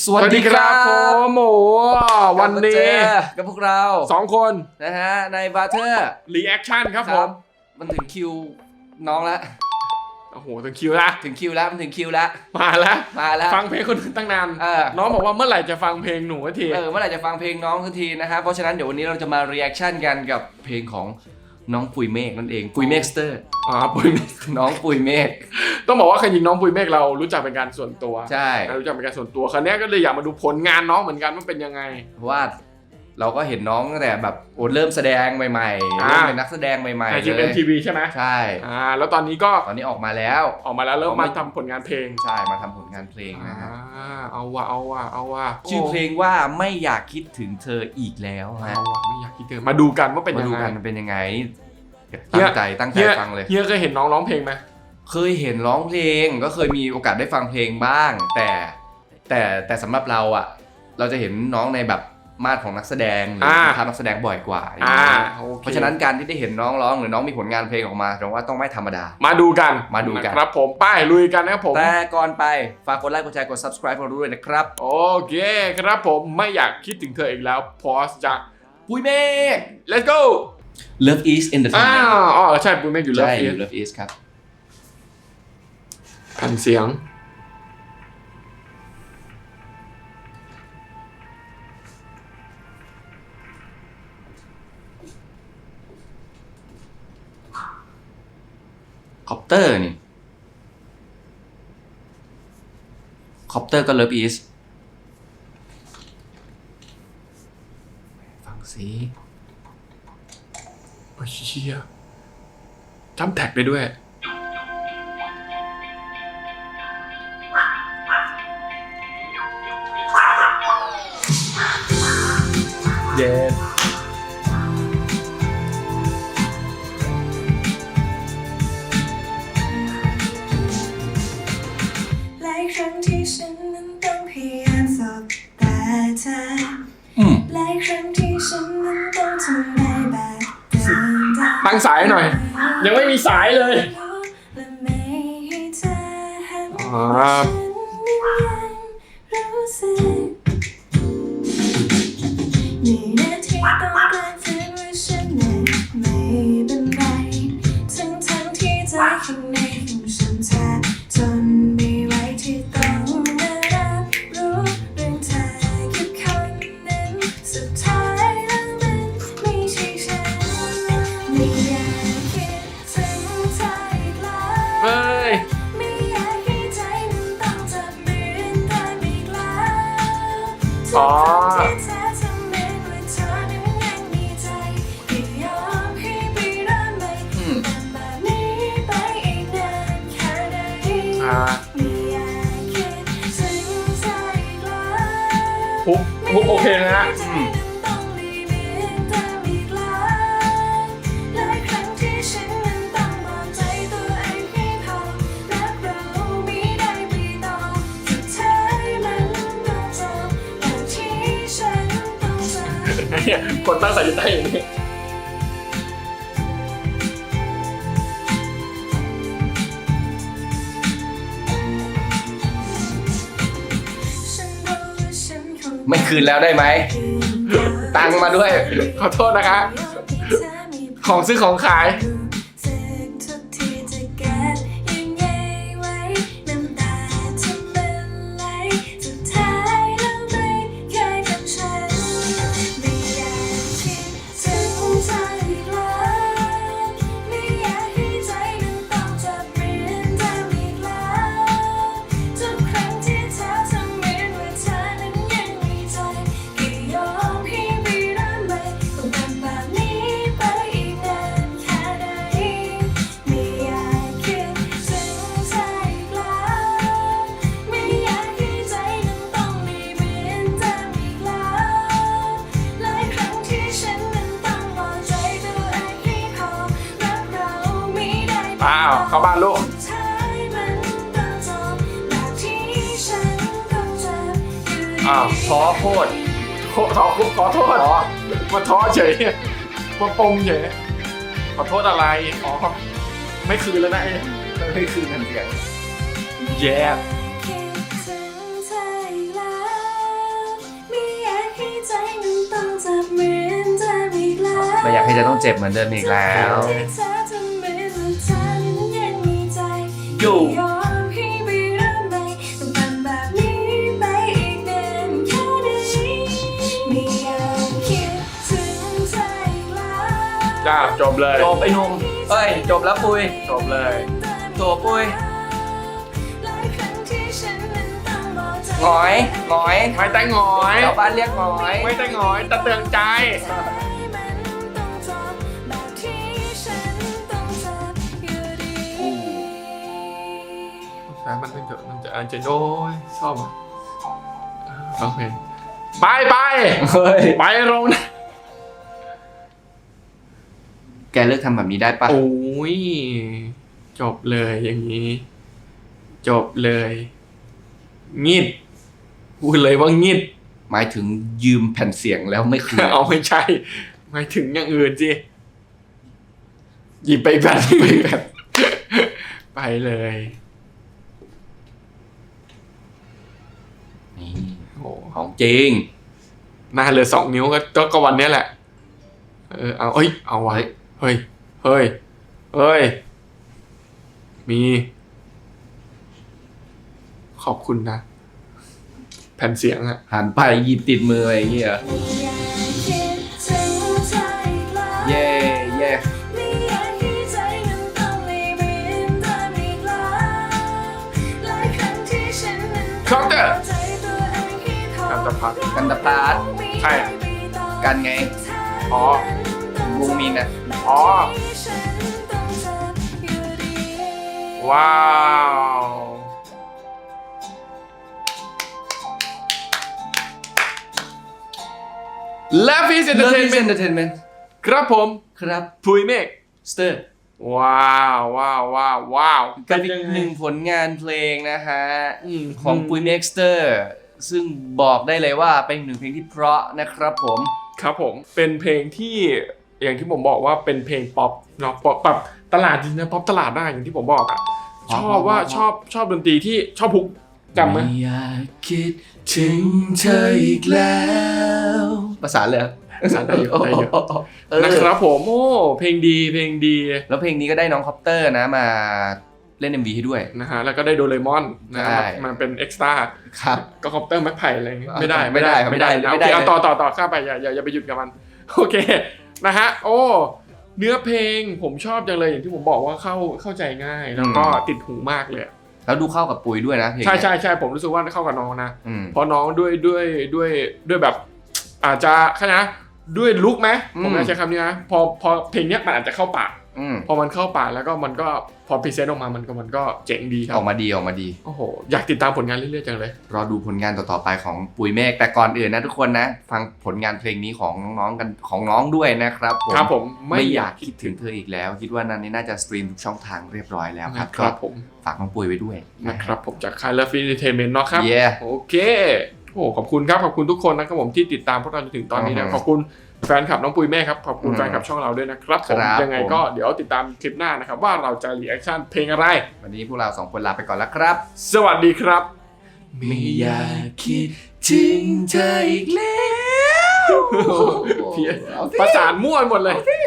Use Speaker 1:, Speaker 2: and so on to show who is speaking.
Speaker 1: วัสดีครับผมวันนี้
Speaker 2: กับพวกเรา
Speaker 1: 2 คน
Speaker 2: นะฮะในบาร์เทอร์
Speaker 1: รีแอคชั่นครับผม
Speaker 2: มันถึงคิวน้องแล้ว
Speaker 1: โอ้โหถึงคิวแล้ว
Speaker 2: มันถึงคิวแล้ว
Speaker 1: มาแล้วฟังเพลงคนอื่นตั้งนาน น้องบอกว่าเมื่อไหร่จะฟังเพลงหนูสักที
Speaker 2: เมื่อไหร่จะฟังเพลงน้องสักทีนะครับเพราะฉะนั้นเดี๋ยววันนี้เราจะมารีแอคชั่นกันกับเพลงของน้องปุยเมฆนั่นเองปุยเมฆสเตอร์
Speaker 1: ปุยเมฆ
Speaker 2: น้องปุยเมฆ
Speaker 1: ต้องบอกว่าเคยยิงน้องปุยเมฆเรารู้จักเป็นการส่วนตัว
Speaker 2: ใช่
Speaker 1: รู้จักเป็นการส่วนตัวครั้งนี้ก็เลยอยากมาดูผลงานน้องเหมือนกันว่าเป็นยังไง
Speaker 2: เพราะว่าเราก็เห็นน้องตั้งแต่แบบเริ่มแสดงใหม่ๆเริ่มเป็นนักแสดงใหม่ๆ
Speaker 1: ในGMMTV ใช่ไหม
Speaker 2: ใช่
Speaker 1: แล้วตอนนี้
Speaker 2: ออกมาแล้ว
Speaker 1: เริ่มมาทำผลงานเพลง
Speaker 2: ใช่มาทำผลงานเพลงนะฮะ
Speaker 1: เอาว่ะ
Speaker 2: ชื่อเพลงว่าไม่อยากคิดถึงเธออีกแล้วฮะ
Speaker 1: ไม่อยากคิดถึงมาดูกันว่าเป็นยังไง
Speaker 2: มันเป็นยังไงตั้งใจฟังเลย
Speaker 1: เฮียเคยเห็นน้องร้องเพลงไหม
Speaker 2: เคยเห็นร้องเพลงก็เคยมีโอกาสได้ฟังเพลงบ้างแต่สำหรับเราอ่ะเราจะเห็นน้องในแบบมาดของนักแสดงหรือทำนักแสดงบ่อยกว่าเพราะฉะนั้นการที่ได้เห็นน้องร้องหรือน้องมีผลงานเพลงออกมาแสดงว่าต้องไม่ธรรมดา
Speaker 1: มาดูกัน
Speaker 2: ครับ
Speaker 1: ผมป้ายลุยกันนะครับผม
Speaker 2: แต่ก่อนไปฝากกดไลค์กดแชร์กด subscribe เราด้วยนะครับ
Speaker 1: โอเคครับผมไม่อยากคิดถึงเธออีกแล้วพอสจาก
Speaker 2: ปุยเมฆ
Speaker 1: let's go
Speaker 2: Love is Entertainment
Speaker 1: ใช่ปุยเมฆอยู่
Speaker 2: Love is ครับ
Speaker 1: แผ่นเสียง
Speaker 2: คอปเตอร์นี่คอปเตอร์ก็ Love is ฟังสิ
Speaker 1: โอ้ยเชี่ยจำแท็กได้ด้วย
Speaker 2: เย้
Speaker 3: ครั้งที่ฉันนั้นต้องพยายามสบตาเธอหลายครั้งที่ฉันนั้นต้องทำได้แบบเดิม
Speaker 1: ตั้งสายหน่อยยังไม่มีสายเลย
Speaker 3: นี่นาทีต้องการเธอว่าฉันนั้นไม่เป็นไรทั้งที่ใจข้างในของฉันแทบทนไม่ไหวที่ต้องมารับรู้เรื่องเธอกับคนนั้นสุดท้ายแล้วมันไม่ใช่ฉันไม่อยากคิดถึงเธออีกแล้วไม่อยากให้ใจมันต้องจับมือกันอีกแล้ว
Speaker 1: ฮุกโอเคนะฮะคนตั้งสายใจอย่างนี้
Speaker 2: ไม่คืนแล้วได้ไหมตังมาด้วย
Speaker 1: ขอโทษนะคะของซื้อของขายเข้าบ้านลูก
Speaker 2: ท้อโคตร
Speaker 1: ขอโทษมาท้อเฉยมาปงเฉยขอโทษอะไรไม่คืนแล้วนะ
Speaker 2: ไม่คืนทันเสียง
Speaker 1: แย่
Speaker 2: จะต้องเจ็บเหมือนเดิมอีกแล้ว
Speaker 3: ที่เธอทำเหมือนว่าเธอนั้นยังมีใจ
Speaker 2: อยู่
Speaker 3: ยอมให้ไปเริ่มใหม่ต้องทำแบบนี้ไปอีกนานแค่ไหนไม่อยากคิดถึงเธออีกแล้ว
Speaker 1: จ้าจบเลย
Speaker 2: จบไอ้หนุ่มเอ้ยจบแล้วปุย
Speaker 1: จบเลย
Speaker 2: จบปุย
Speaker 3: หลายครั้งที่ฉันนั้นต้องบอกใจ
Speaker 2: หงอยหงอย
Speaker 1: ไม่แต่งอย
Speaker 2: ชาวบ้านเรียกหงอย
Speaker 1: ไม่แต่งอยตะเตืองใจ
Speaker 3: มันต้องจบแบบที่ฉันต้องเจ็บอยู่ดี
Speaker 1: แต่มันเป็นเถอะมันจะอันเจนโอ้ยชอบอ่ะโอเคไป
Speaker 2: เฮ้ย
Speaker 1: ไปโรงนะ
Speaker 2: แกเลิกทำแบบนี้ได้ปะ
Speaker 1: โอ้ยจบเลยอย่างนี้ จบเลยงิดพูดเลยว่างิด
Speaker 2: หมายถึงยืมแผ่นเสียงแล้วไม่คืน
Speaker 1: เอาไม่ใช่หมายถึงอย่างอื่นสิหยิบไปแบบไปเลย
Speaker 2: นี่
Speaker 1: โอ้
Speaker 2: ของจริง
Speaker 1: หน้าเหลือ2 นิ้วก็วันนี้แหละเอาเอาไว้เฮ้ยมี ขอบคุณนะ แผ่นเสียงอะ
Speaker 2: หันไปหยิบติดมืออะไรอย่างเงี้ย
Speaker 3: ไม่อยากคิดถึงเธออีกแล้ว
Speaker 2: เย่เย่
Speaker 3: ไม่อยากให้ใจนั้นต้องไม่เหมือนเดิมอีกแล้วหลายครั้งที่ฉันนั้นต้องบอกใจตัวเองให้ทน
Speaker 1: กันตะพัด
Speaker 2: กันตะพาด
Speaker 1: ใช่
Speaker 2: กันไง
Speaker 1: อ๋อ
Speaker 2: วงมีนอะ
Speaker 1: อ๋อ ว้าว และฟีสเอนเตอร์
Speaker 2: Love
Speaker 1: เทน
Speaker 2: is
Speaker 1: เมนต์
Speaker 2: Entertainment
Speaker 1: ครับผม
Speaker 2: ครับ
Speaker 1: พุยเมฆ
Speaker 2: สเตอร์
Speaker 1: ว้าว
Speaker 2: กับอีกหนึ่งผลงานเพลงนะฮะ
Speaker 1: อืม
Speaker 2: ของปุยเม็กสเตอร์ซึ่งบอกได้เลยว่าเป็นหนึ่งเพลงที่เพราะนะครับผม
Speaker 1: ครับผมเป็นเพลงที่อย่างที่ผมบอกว่าเป็นเพลงป๊อปเนาะป๊อปแบบตลาดจริงนะป๊อปตลาดได้อย่างที่ผมบอกอ่ะ
Speaker 2: ป๊อป
Speaker 1: ชอบว่า
Speaker 2: ป๊อป
Speaker 1: ชอบดนตรีที่ชอบฮุกจำไหม
Speaker 2: ไม่อยากคิดถึงเธออีกแล้วภาษาเลย
Speaker 1: ภาษาได้เยอะได้เยอะ
Speaker 2: เออ
Speaker 1: นะครับผมโอ้เพลงดี
Speaker 2: แล้วเพลงนี้ก็ได้น้องคอปเตอร์นะมาเล่น MV ให้ด้วย
Speaker 1: นะฮะแล้วก็ได้โดเรมอนนะฮะ
Speaker 2: ใช่
Speaker 1: มันเป็นเอ็กซ์ตร้า
Speaker 2: ครับ
Speaker 1: ก็คอปเตอร์แม็กไผ่อะไรอย่างเงี้ย
Speaker 2: อ่ะ
Speaker 1: ไม่ได้
Speaker 2: ไม่ได้
Speaker 1: นะ
Speaker 2: ไม่ได้
Speaker 1: โอเคเอา
Speaker 2: เลย
Speaker 1: ต่อข้ามไปอย่าไปหยุดกับมัน โอเคนะฮะโอ้เนื้อเพลงผมชอบจังเลยอย่างที่ผมบอกว่าเข้าใจง่ายแล้วก็ติดหูมากเลย
Speaker 2: แล้วดูเข้ากับปุยด้วยนะเพลง
Speaker 1: ใช่ผมรู้สึกว่าเข้ากับน้องนะ
Speaker 2: อืม
Speaker 1: เพราะน้องด้วยแบบ อาจจะขนาดด้วยลุคไหมผมน่าใช้คำนี้นะพอเพลงเนี้ยมันอาจจะเข้าปาก
Speaker 2: อืม
Speaker 1: พอมันเข้าปากแล้วก็มันก็พอพรีเซนต์ออกมามันก็เจ๋งดีครั
Speaker 2: อบ อกมาดี
Speaker 1: โอ้โหอยากติดตามผลงานเรื่อยๆจังเลย
Speaker 2: รอดูผลงานต่อๆไปของปุยเมฆแต่ก่อนอื่นนะทุกคนนะ ฟังผลงานเพลงนี้ของน้องๆกันของน้องด้วยนะครับผม
Speaker 1: ครับผม
Speaker 2: ไม่อยากคิดถึงเธออีกแล้ว คิดว่านั้นนี่น่าจะสตรีมทุกช่องทางเรียบร้อยแล้วครับ
Speaker 1: ครับผม
Speaker 2: ฝากน้องปุยไว้ด้วย
Speaker 1: นะครับผมจากค่าย Love Entertainment เนาะครับ
Speaker 2: Yeah
Speaker 1: โอเคโอ้ขอบคุณครับขอบคุณทุกคนนะครับผมที่ติดตามพวกเราจนถึงตอนนี้นะ
Speaker 2: อือฮึ
Speaker 1: ขอบคุณแฟนคลับน้องปุยแม่ครับขอบคุณ
Speaker 2: อืม
Speaker 1: แฟนคลับช่องเราด้วยนะครับผม
Speaker 2: ครับ
Speaker 1: ยังไงก็เดี๋ยวติดตามคลิปหน้านะครับว่าเราจะรีแอคชั่นเพลงอะไร
Speaker 2: วันนี้พวกเราสองคนลาไปก่อนแล้วครับ
Speaker 1: สวัสดีครับ
Speaker 2: ไม่อยากคิดถึงเธออีกแล้ว
Speaker 1: เพี้ยนประสานมั่วหมดเลย